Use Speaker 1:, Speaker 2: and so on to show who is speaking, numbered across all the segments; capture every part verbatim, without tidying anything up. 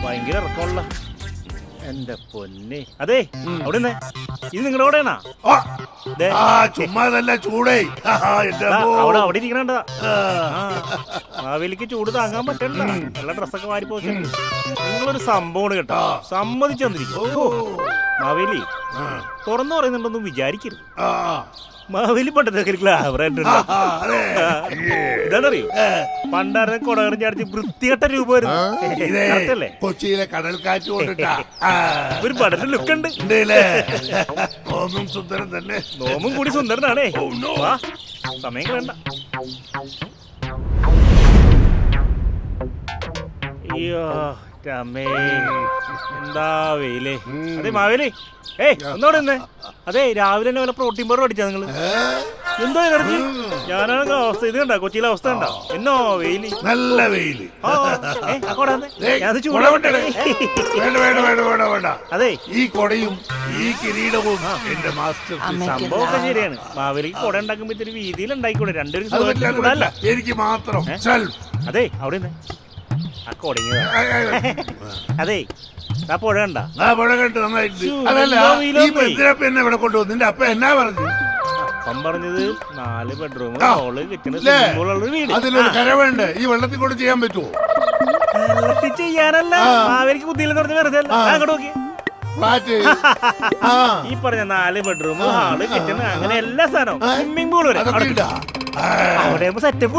Speaker 1: ഭയങ്കര ഇറക്കമുള്ള എന്റെ പൊന്നെ. അതെ അവിടെ ഇത് നിങ്ങളുടെ കൂടെയാണാ?
Speaker 2: ചുമ്മാതല്ല ചൂടേ
Speaker 1: അവിടെ അവിടെ ഇരിക്കണ മാവേലിക്ക് ചൂട് താങ്ങാൻ പറ്റണ്ട. എല്ലാ ഡ്രസ്സൊക്കെ വാരി പോയി. നിങ്ങളൊരു സംഭവമാണ് കേട്ടോ, സമ്മതിച്ചു തന്നിരിക്കും. മാവേലി തുറന്നു പറയുന്നുണ്ടൊന്നും വിചാരിക്കരുത്. മാവേലി പണ്ടത്തെ ഇതാണറിയോ, പണ്ടാരെ കൊടകടം ചാടിച്ച് വൃത്തികെട്ട രൂപമായിരുന്നു.
Speaker 2: കൊച്ചിയിലെ കടൽക്കാറ്റ് കൊണ്ടിട്ടാ
Speaker 1: ഒരു പടന്റെ ലുക്ക് ഉണ്ട്.
Speaker 2: നോമും സുന്ദരൻ തന്നെ.
Speaker 1: നോമും കൂടി സുന്ദരനാണേ. വാ, സമയം വേണ്ട. അയ്യോ രമേ, എന്താ വെയിലേ. അതെ മാവേലി, ഏയ് ഒന്നോടെ നിന്നേ. അതെ രാവിലെ തന്നെ വല്ല പ്രോട്ടീൻ പൗഡർ അടിച്ചാ നിങ്ങള്? എന്തോ എനർജി. ഞാനാണെങ്കിൽ അവസ്ഥ ഇത് കണ്ട, കൊച്ചിയിലെ അവസ്ഥ കണ്ട. എന്നോ വെയില്,
Speaker 2: നല്ല വെയില്.
Speaker 1: അതെ
Speaker 2: ഈ കൊടയും ഈ കിരീടവും എന്റെ മാസ്റ്റർ.
Speaker 1: സംഭവമൊക്കെ ശരിയാണ്. മാവേലിക്ക് കൊട ഉണ്ടാക്കുമ്പോ ഇത്തിരി വീതിയിൽ ഉണ്ടായിക്കൂടെ? രണ്ടുപേരും
Speaker 2: എനിക്ക് മാത്രം.
Speaker 1: അതെ അവിടെ ആ കൊടങ്ങി. അതെ ആ പുഴ കണ്ട?
Speaker 2: ആ പുഴ കണ്ട് നന്നായിട്ട്. അതല്ല എന്നെ ഇവിടെ കൊണ്ടുവന്നു. നിന്റെ അപ്പ എന്നാ പറഞ്ഞു?
Speaker 1: അപ്പം പറഞ്ഞത് നാല് ബെഡ്റൂം, ഹോള്, കിച്ചണ്, വീട്.
Speaker 2: അതിലൊരു കര വേണ്ടേ? ഈ വെള്ളത്തിൽ കൂടെ ചെയ്യാൻ പറ്റുമോ?
Speaker 1: വെള്ളത്തിൽ ചെയ്യാനല്ല, മാവേലിക്ക് ബുദ്ധിയില്ലെന്ന് പറഞ്ഞ വെറുതെ അങ്ങോട്ട് നോക്കി. ഈ പറഞ്ഞ നാല് ബെഡ്റൂം, ഹാള്, കിച്ചണ്, അങ്ങനെ എല്ലാ സാധനവും, സ്വിമ്മിംഗ് പൂൾ വരെ അവിടെ സെറ്റപ്പ്.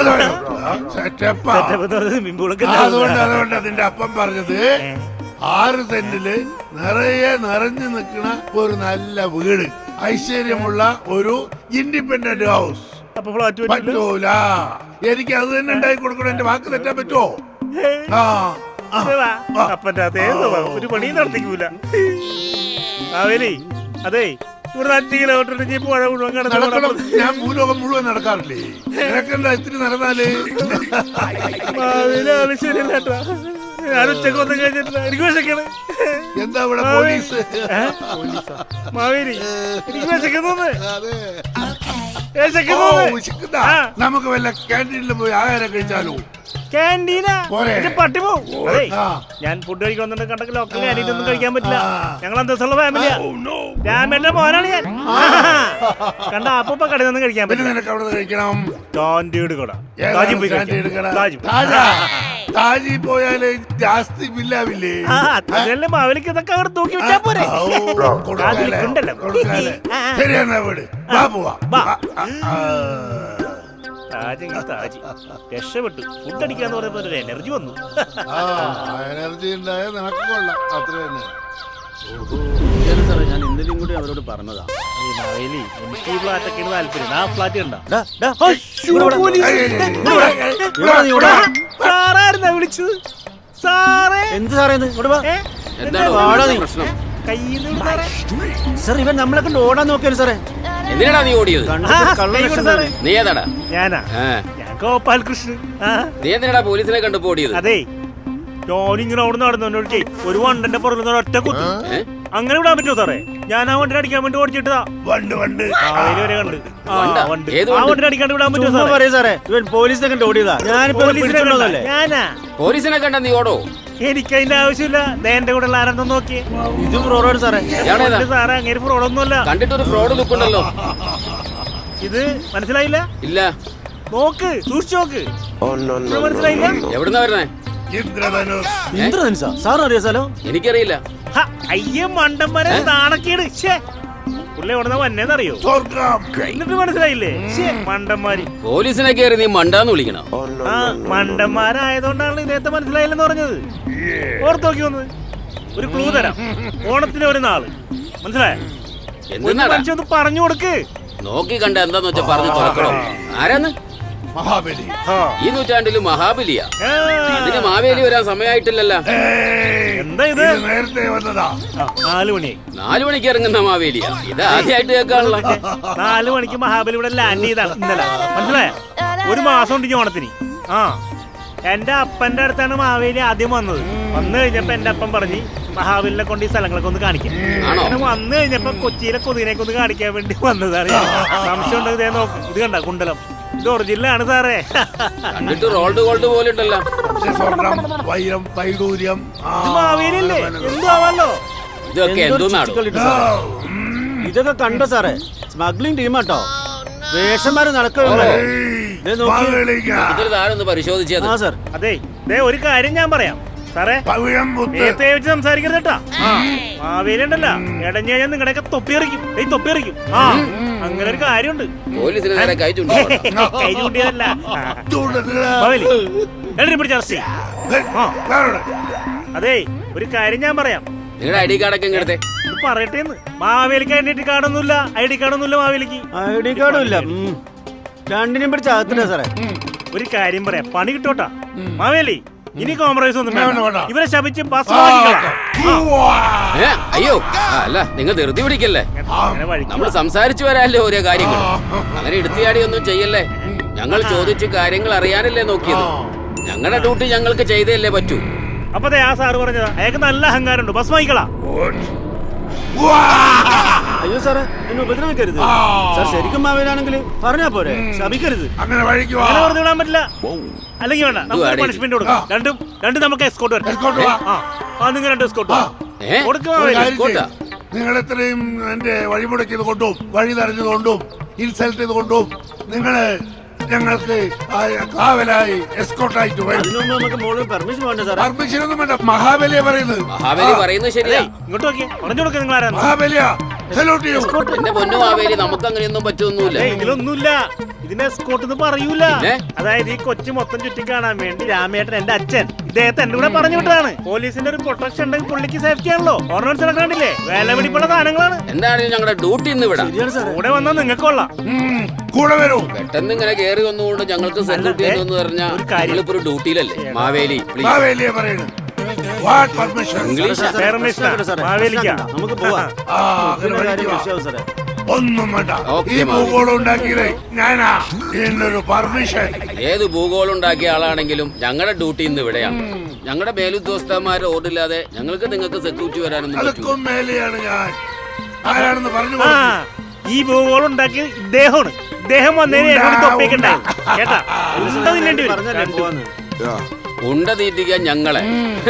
Speaker 2: അതുകൊണ്ട് അതുകൊണ്ട് അതിന്റെ അപ്പം പറഞ്ഞത് ആറ് സെന്റില് നിറയെ നിറഞ്ഞു നിൽക്കുന്ന ഒരു നല്ല വീട്, ഐശ്വര്യമുള്ള ഒരു ഇൻഡിപെൻഡന്റ് ഹൗസ്. പറ്റൂല, എനിക്ക് അത് തന്നെ ഉണ്ടാക്കി കൊടുക്കണം. എന്റെ വാക്ക് തെറ്റാൻ പറ്റുമോ?
Speaker 1: അപ്പന്റെ അതേ ഒരു പണി നടത്തിക്കൂല മാവേലി. അതെ ഇവിടെ അഞ്ച് കിലോമീറ്റർ പുഴ മുഴുവൻ
Speaker 2: നടക്കണം. ഞാൻ ഭൂലോകം മുഴുവൻ നടക്കാറില്ലേ? നിനക്കെന്താ ഇത്തിരി നടന്നാല്?
Speaker 1: മാവേലി ആള് ശരിയല്ല കേട്ടോ. ഞാൻ ഉച്ചക്ക് ഒന്നും കഴിഞ്ഞിട്ടില്ല, എനിക്ക് വിശക്കണേ.
Speaker 2: എന്താ ഇവിടെ പോലീസ്?
Speaker 1: മാവേലി എനിക്ക് വിശക്കുന്നു.
Speaker 2: നമുക്ക് വല്ല ക്യാൻറ്റീനിൽ പോയി ആഹാരം കഴിച്ചാലോ?
Speaker 1: ക്യാൻറ്റീനാ പട്ടി പോവും. അതെ ഞാൻ ഫുഡ് കഴിക്കാൻ വന്നിട്ട് കണ്ടൊക്കെ ലോക്കൽ ക്യാൻറ്റീൻ ഒന്നും കഴിക്കാൻ പറ്റില്ല. ഞങ്ങൾ അന്തസ്സുള്ള ഫാമിലിയാ. രാമന്റെ മോനാണ് ഞാൻ. കണ്ട അപ്പൊ കടയിൽ നിന്ന് കഴിക്കാൻ പറ്റില്ല.
Speaker 2: താജി പോയാലേ ജാസ്തി ബില്ലാവില്ലേ?
Speaker 1: അതല്ലേ മാവേലിക്ക് ഇതൊക്കെ അവിടെ തൂക്കി വിട്ടാ പോരെ.
Speaker 2: ശരിയാ വീട്.
Speaker 1: താജ് രക്ഷപ്പെട്ടു. ഫുഡ് അടിക്കാന്ന് പറയുമ്പോ ഒരു എനർജി വന്നു.
Speaker 2: എനർജി ഉണ്ടായ നിനക്ക് കൊള്ളാം. അത്ര തന്നെ.
Speaker 3: സാറേ ഞാൻ എന്തെങ്കിലും കൂടി അവരോട് പറഞ്ഞതാ.
Speaker 1: എനിക്ക് ഈ ഫ്ലാറ്റൊക്കെയാണ് താല്പര്യം. ആ ഫ്ലാറ്റ് കണ്ട സാറായിരുന്നാ വിളിച്ചത്? സാറേ
Speaker 3: എന്ത് സാറേ സാർ ഇവൻ നമ്മളെ കൊണ്ട് ഓടാൻ നോക്കിയാലും സാറേ.
Speaker 4: എന്തിനാടാ നീ ഓടിയത്? നീ ഏതാടാ?
Speaker 1: ഞാനാ ഞാൻ ഗോപാൽ കൃഷ്ണൻ.
Speaker 4: നീ എന്തിനാടാ പോലീസിനെ കണ്ടപ്പോ ഓടിയത്?
Speaker 1: അതെ ഞാനിങ്ങനെ അവിടെ നടന്നു ഒരു വണ്ടന്റെ പുറകിൽ ഒറ്റ കുത്തു. അങ്ങനെ വിടാൻ പറ്റുമോ സാറേ? ഞാൻ ആ വണ്ടിനെ അടിക്കാൻ വേണ്ടി ഓടിച്ചിട്ടതാ.
Speaker 2: വണ്ട് വണ്ട്
Speaker 1: വരെ കണ്ട് ആ വണ്ടിനെ അടിക്കാണ്ട് വിടാൻ പറ്റുമോ
Speaker 3: സാറേ? ഇവൻ പോലീസിനെ കണ്ട് ഓടിയതാ.
Speaker 1: ഞാനാ
Speaker 4: പോലീസിനെ കണ്ട നീ ഓടോ?
Speaker 1: എനിക്ക് അതിന്റെ ആവശ്യമില്ല. എന്റെ കൂടെ ആരെന്ന് നോക്കിയേ.
Speaker 3: ഇത് ഫ്രോഡാണ് സാറേ.
Speaker 1: സാറേ അങ്ങനെ ഫ്രോഡൊന്നുമല്ല.
Speaker 4: കണ്ടിട്ടൊരു ഫ്രോഡ് ലുക്ക് ഉണ്ടല്ലോ.
Speaker 1: ഇത് മനസ്സിലായില്ല?
Speaker 4: ഇല്ല,
Speaker 1: നോക്ക്, സൂക്ഷിച്ചു നോക്ക്. മനസ്സിലായില്ല?
Speaker 4: എവിടുന്നാ വരുന്നേ?
Speaker 3: ഇന്ദ്രധനുസാ സാറിന് അറിയാ സ്ഥലം?
Speaker 4: എനിക്കറിയില്ല.
Speaker 1: അയ്യ മണ്ടന്മാരെ നാണക്കേട്. പുള്ളി എവിടുന്ന വന്നേന്നറിയോ? എന്നിട്ട് മനസ്സിലായില്ലേ? മണ്ടന്മാര്.
Speaker 4: പോലീസിനെ കയറി നീ മണ്ടാന്ന് വിളിക്കണം.
Speaker 1: ആ മണ്ടന്മാരായതുകൊണ്ടാണ് ഇദ്ദേഹത്തെ മനസ്സിലായില്ലെന്ന് പറഞ്ഞത്. ഓർത്ത് നോക്കി വന്നത്. ഒരു ക്ലൂ തരാം. ഓണത്തിന് ഒരു നാള് മനസ്സിലായ മനുഷ്യൊന്ന് പറഞ്ഞു കൊടുക്ക്.
Speaker 4: നോക്കി കണ്ട എന്താന്ന് വെച്ചാ പറഞ്ഞു തുറക്കണം. ആരാന്ന്?
Speaker 2: മഹാബലി.
Speaker 4: ഈ നൂറ്റാണ്ടില് മഹാബലിയാ. അതിന് മാവേലി വരാൻ സമയമായിട്ടില്ലല്ലോ.
Speaker 1: എന്താ ഇത്?
Speaker 2: നേരത്തെ വന്നതാ.
Speaker 1: നാലു മണിയായി.
Speaker 4: നാലു മണിക്ക് ഇറങ്ങുന്ന മാവേലിയാ. ഇത് ആദ്യമായിട്ട് കേൾക്കാനുള്ള.
Speaker 1: നാലു മണിക്ക് മഹാബലി ഇവിടെ ലാൻഡ് ചെയ്താണ് ഇന്നലെ. മനസ്സിലായ? ഒരു മാസം ഉണ്ട് ഓണത്തിന്. ആ എന്റെ അപ്പന്റെ അടുത്താണ് മാവേലി ആദ്യം വന്നത്. വന്നു കഴിഞ്ഞപ്പോ എന്റെ അപ്പൻ പറഞ്ഞ് മഹാബലിനെ കൊണ്ട് ഈ സ്ഥലങ്ങളൊക്കെ ഒന്ന് കാണിക്കാം. അങ്ങനെ വന്നു കഴിഞ്ഞപ്പോ കൊച്ചിയിലെ കൊതിനെയൊക്കെ ഒന്ന് കാണിക്കാൻ വേണ്ടി വന്നതാണ്. സംശയം ഉണ്ടെങ്കിൽ നോക്ക്. ഇത് കണ്ട കുണ്ടലം. ഇത് ഒറിജിനലാണ് സാറേ.
Speaker 4: കണ്ടിട്ട് റോൾഡ് ഗോൾഡ് പോലെ ഉണ്ടല്ലോ.
Speaker 2: പക്ഷെ സ്വർണം, വൈരം, വൈഡൂര്യം ആ,
Speaker 1: ഇത് മാവേലിയല്ലേ? എന്തു ആവാലോ.
Speaker 4: ഇതൊക്കെ എന്തോന്നാണ്?
Speaker 2: ആ, ഉം.
Speaker 3: ഇതൊക്കെ കണ്ടോ സാറേ? സ്മഗ്ലിംഗ് ടീമാട്ടോ. വേഷന്മാര് നടക്കുമല്ലോ.
Speaker 2: ഏയ്, മാവേലിക്ക.
Speaker 4: ഇതിൽ താരൊന്ന് പരിശോധിച്ചത്.
Speaker 3: ആ സാർ.
Speaker 1: അതെ ദേ ഒരു കാര്യം ഞാൻ പറയാം സാറേ.
Speaker 2: പവിഴം മുത്ത്.
Speaker 1: നേരത്തെ വെച്ച് സംസാരിക്കരുത് കേട്ടാ. മാവേലി ഉണ്ടല്ലോ, ഇടഞ്ഞു കഴിഞ്ഞാൽ നിങ്ങളുടെയൊക്കെ തൊപ്പിയെറിക്കും. ഈ തൊപ്പിയെറിക്കും. ആ അങ്ങനെ ഒരു കാര്യമുണ്ട്.
Speaker 4: പോലീസിന് നേരെ കൈ ചൂണ്ടി
Speaker 1: കൈ ചൂണ്ടിയതല്ല.
Speaker 2: ചൂണ്ടത്തില്.
Speaker 1: മാവേലി എഴുതി പിടിച്ച അറസ്റ്റ് ചെയ്യ്.
Speaker 2: ഏയ്,
Speaker 1: ആ.
Speaker 2: വേറെ.
Speaker 1: അതേ ഒരു കാര്യം ഞാൻ പറയാം.
Speaker 4: നിങ്ങളുടെ ഐ ഡി കാർഡൊക്കെ ഇങ്ങടുത്തെ.
Speaker 1: ഇത് പറയട്ടേന്ന്. മാവേലിക്ക് ഐ ഡി കാർഡൊന്നുമില്ല. ഐ ഡി കാർഡൊന്നുമില്ല മാവേലിക്ക്.
Speaker 3: ഐ ഡി കാർഡും ഇല്ല. ഉം. രണ്ടിനെയും പിടിച്ച് അകത്തില്ല സാറേ.
Speaker 1: ഒരു കാര്യം പറയാം, പണി കിട്ടോട്ടാ. മാവേലി ഇനി കോംപ്രമൈസ് ഒന്നും
Speaker 2: വേണ്ട,
Speaker 1: വേണ്ട.
Speaker 2: വേണ്ട.
Speaker 1: ഇവരെ ശപിച്ച് ബസ്
Speaker 2: ആ,
Speaker 1: മാറ്റിക്കളാം.
Speaker 2: ഉവ്വാ.
Speaker 4: ഏ അയ്യോ ആ, അല്ല നിങ്ങൾ ധൃതി പിടിക്കല്ലേ.
Speaker 1: അങ്ങനെ വഴിക്ക്
Speaker 4: നമ്മൾ സംസാരിച്ചു വരാല്ലേ ഓരോ കാര്യങ്ങൾ. അങ്ങനെ എടുത്തിയാടി ഒന്നും ചെയ്യല്ലേ. ഞങ്ങൾ ചോദിച്ച് കാര്യങ്ങൾ അറിയാനല്ലേ നോക്കിയത്. ഞങ്ങളുടെ ഡ്യൂട്ടി ഞങ്ങൾക്ക് ചെയ്തല്ലേ പറ്റൂ.
Speaker 1: അപ്പൊ ദേ ആ സാറ് പറഞ്ഞതാ, അയാൾക്ക് നല്ല അഹങ്കാരമുണ്ട്. ബസ് വാങ്ങിക്കളാ.
Speaker 2: ഉവ്വാ.
Speaker 3: അയ്യോ സാറേ, എന്നെ ഉപദ്രവിക്കരുത്. സാർ ശരിക്കും മാവേലാണെങ്കിൽ പറഞ്ഞാ പോരെ, ശപിക്കരുത്.
Speaker 2: അങ്ങനെ വഴിക്ക് വാ.
Speaker 1: അങ്ങനെ വെറുതെ വിടാൻ പറ്റില്ല. അല്ലെങ്കിൽ വേണ്ട, നമുക്ക്
Speaker 4: ആടി.
Speaker 1: പണിഷ്മെന്റ് കൊടുക്കാം. രണ്ടും രണ്ടും നമുക്ക് എസ്കോട്ട് വരാം.
Speaker 2: Escort വാ.
Speaker 1: ആ ആ നിങ്ങൾ രണ്ട് എസ്കോട്ട്
Speaker 4: ഏ
Speaker 1: കൊടുക്കും
Speaker 2: ഒരു
Speaker 1: മാവേലി.
Speaker 2: കാര്യം
Speaker 4: escort ആ?
Speaker 2: ചെയ്യ്. നിങ്ങൾ എത്രയും എന്റെ വഴിമുടക്കിയത് കൊണ്ടും വഴി തടഞ്ഞത് കൊണ്ടും ഇൻസൾട്ട് ചെയ്ത് കൊണ്ടും നിങ്ങള് ഞങ്ങൾക്ക് ആ കാവലായി എസ്കോട്ടായിട്ട് വരും.
Speaker 3: അതിനു മുമ്പ് നമുക്ക് മോളിൽ പെർമിഷൻ വേണ്ട സാറേ.
Speaker 2: പെർമിഷൻ ഒന്നും വേണ്ട. മഹാബലിയ പറയുന്നത്.
Speaker 4: മഹാബലി പറയുന്നത് ശരിയാ.
Speaker 1: ഇങ്ങോട്ട് നോക്കിയേ, പറഞ്ഞു കൊടുക്കുക നിങ്ങൾ ആരാന്ന്.
Speaker 2: മഹാബലിയ സല്യൂട്ട് ചെയ്യൂ.
Speaker 4: എന്റെ പൊന്നു മഹാബലി, നമുക്ക് അങ്ങനെയൊന്നും പറ്റൊന്നുമില്ല.
Speaker 1: ഏയ്, ഇതിലൊന്നുമില്ല. ഇതിനെ എസ്കോട്ട് എന്ന് പറയൂല.
Speaker 4: പിന്നെ?
Speaker 1: അതായത് ഈ കൊച്ചു മൊത്തം ചുറ്റി കാണാൻ വേണ്ടി രാമേട്ടൻ എന്റെ അച്ഛൻ ഇദ്ദേഹത്തെ എന്റെ കൂടെ പറഞ്ഞു വിട്ടതാണ്. പോലീസിന്റെ ഒരു പ്രൊട്ടക്ഷൻ ഉണ്ടെങ്കിൽ പുള്ളിക്ക് സേഫ്റ്റി ആണല്ലോ. ഓർണമെന്റ്സ് കണ്ടില്ലേ, വേല പിടിപ്പുള്ള സാധനങ്ങളാണ്.
Speaker 4: എന്താണെങ്കിലും ഞങ്ങളുടെ ഡ്യൂട്ടി ഇന്ന് വിടാം.
Speaker 3: ശരിയാണ് സാറേ.
Speaker 1: കൂടെ വന്നാൽ നിങ്ങൾക്ക് കൊള്ളാം.
Speaker 2: ഉം, കൂടെ വരൂ.
Speaker 4: പെട്ടെന്ന് ഇങ്ങനെ കേറി വന്നുകൊണ്ട് ഞങ്ങൾക്ക് സെക്യൂരിറ്റി എന്ന് പറഞ്ഞാൽ
Speaker 1: ഒരു കാര്യം.
Speaker 4: ഞങ്ങളിപ്പോ ഒരു ഡ്യൂട്ടിയിലല്ലേ. മാവേലി പ്ലീസ്.
Speaker 2: മാവേലിയ പറയുന്നത്. What permission?
Speaker 4: ഇംഗ്ലീഷ്
Speaker 3: സാറേ, സാറേ,
Speaker 1: Permission ആ.
Speaker 3: സാറേ,
Speaker 1: മാവേലിക്കാ.
Speaker 3: നമുക്ക് പോവാം.
Speaker 2: ആ, അങ്ങനെ
Speaker 3: പിന്നെ
Speaker 2: വഴിക്ക്
Speaker 3: കാര്യം
Speaker 2: വാ.
Speaker 3: വിഷയാവും സാറേ.
Speaker 2: ഒന്നും വേണ്ട.
Speaker 4: ഓക്കേ,
Speaker 2: ഈ
Speaker 4: മാവേലി.
Speaker 2: ഭൂഗോളം ഉണ്ടാക്കിയത് ഞാനാ. എന്നൊരു പെർമിഷൻ.
Speaker 4: ഏത് ഭൂഗോളം ഉണ്ടാക്കിയ ആളാണെങ്കിലും ഞങ്ങളുടെ ഡ്യൂട്ടി ഇന്ന് ഇവിടെയാണ്. ഞങ്ങളുടെ മേലുദ്യോഗസ്ഥന്മാരെ ഓർഡില്ലാതെ ഞങ്ങൾക്ക് നിങ്ങൾക്ക് സെക്യൂരിറ്റി വരാനൊന്നും പറ്റൂ.
Speaker 2: അതൊക്കെ മേലെയാണ് ഞാൻ. ആരാണെന്ന് പറഞ്ഞു
Speaker 1: ആ
Speaker 2: കൊടുത്തു.
Speaker 1: ഈ ഭൂഗോളം ഉണ്ടാക്കിയത് ഇദ്ദേഹമാണ്. ഇദ്ദേഹം വന്നതിന് എന്നോട് തൊപ്പിക്കണ്ടായി കേട്ടാ. ഉണ്ട തിന്നേണ്ടി വരും.
Speaker 3: പറഞ്ഞല്ലേ പോവാന്ന്.
Speaker 4: ഉണ്ട തീറ്റിക്കാൻ ഞങ്ങളെ.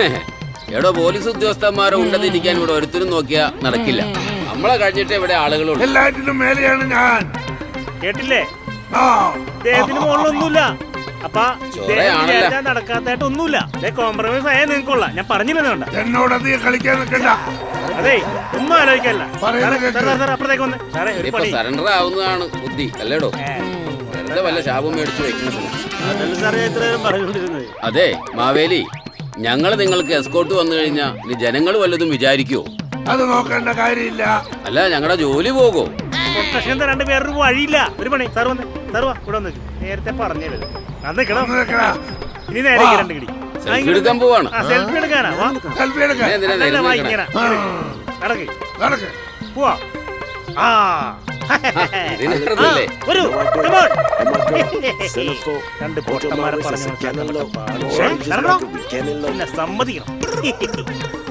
Speaker 4: എടോ പോലീസ് ഉദ്യോഗസ്ഥന്മാരെ ഉണ്ട തീറ്റിക്കാൻ ഇവിടെ ഒരുത്തരും നോക്കിയാ നടക്കില്ല. നമ്മളെ കഴിഞ്ഞിട്ട് ഇവിടെ ആളുകളുണ്ട്.
Speaker 2: എല്ലാറ്റിനും മേലെയാണ് ഞാൻ.
Speaker 1: കേട്ടില്ലേ,
Speaker 2: ആ,
Speaker 1: ഇദ്ദേഹത്തിന് മുകളിലൊന്നുമില്ല. അപ്പൊ
Speaker 4: ചൊറയാണല്ലോ.
Speaker 1: ഇദ്ദേഹം നടക്കാത്തായിട്ട് ഒന്നുമില്ല. കോംപ്രമൈസ് ആയാൽ നിങ്ങൾക്കുള്ള ഞാൻ പറഞ്ഞില്ലെന്ന് വേണ്ട.
Speaker 2: എന്നോട് അധികം കളിക്കാൻ നിൽക്കണ്ട.
Speaker 1: അതെ ഒന്നും ആലോചിക്കല്ല.
Speaker 2: പറയുന്നത് കേൾക്ക്.
Speaker 1: അപ്പുറത്തേക്ക് വന്നേ സാറേ. ഒരു
Speaker 4: ഇപ്പൊ
Speaker 1: പണി.
Speaker 4: സറണ്ടർ ആവുന്നതാണ് ബുദ്ധി അല്ലേടോ. വെറുതെ വല്ല ശാപം മേടിച്ചു വെക്കണതില്ല.
Speaker 3: അതല്ല സാറേ ഇത്രയും പറഞ്ഞുകൊണ്ടിരുന്നത്.
Speaker 4: അതെ മാവേലി, ഞങ്ങൾ നിങ്ങൾക്ക് എസ്കോട്ട് വന്നു കഴിഞ്ഞാൽ ഇനി ജനങ്ങൾ വല്ലതും വിചാരിക്കുവോ?
Speaker 2: അത് നോക്കേണ്ട കാര്യമില്ല.
Speaker 4: അല്ല ഞങ്ങളുടെ ജോലി പോകുമോ?
Speaker 1: പ്രൊട്ടക്ഷൻ തരാണ്ട് വേറൊരു വഴിയില്ല. ഒരു പണി സാർ വന്നേ. സാർ വാ ഇവിടെ വന്നേ. നേരത്തെ പറഞ്ഞത് അത് നിൽക്കണം.
Speaker 2: ഒന്ന് നിൽക്കടാ.
Speaker 1: ഇനി നേരെ ഈ രണ്ട് കിടി.
Speaker 4: സെൽഫി എടുക്കാൻ പോവാണ്.
Speaker 1: ആ സെൽഫി എടുക്കാനാ. വാ.
Speaker 2: സെൽഫി എടുക്കാൻ.
Speaker 4: ഞാൻ എന്തിനാ
Speaker 1: അല്ല,
Speaker 4: നേരം
Speaker 1: വാ,
Speaker 4: നോക്കണേ?
Speaker 1: ഇങ്ങനെ.
Speaker 2: ആ,
Speaker 1: നടക്ക്
Speaker 2: നടക്ക്.
Speaker 1: പോവാ. ആ
Speaker 4: ഇതിനകത്തല്ലേ?
Speaker 1: ആ, വരൂ. Come on. രണ്ട് പൊട്ടന്മാരെ പറഞ്ഞു മനസ്സിലാക്കാൻ നടക്കപ്പാ. ശ്ശേ, നടന്നോ? പിന്നെ സമ്മതിക്കണം.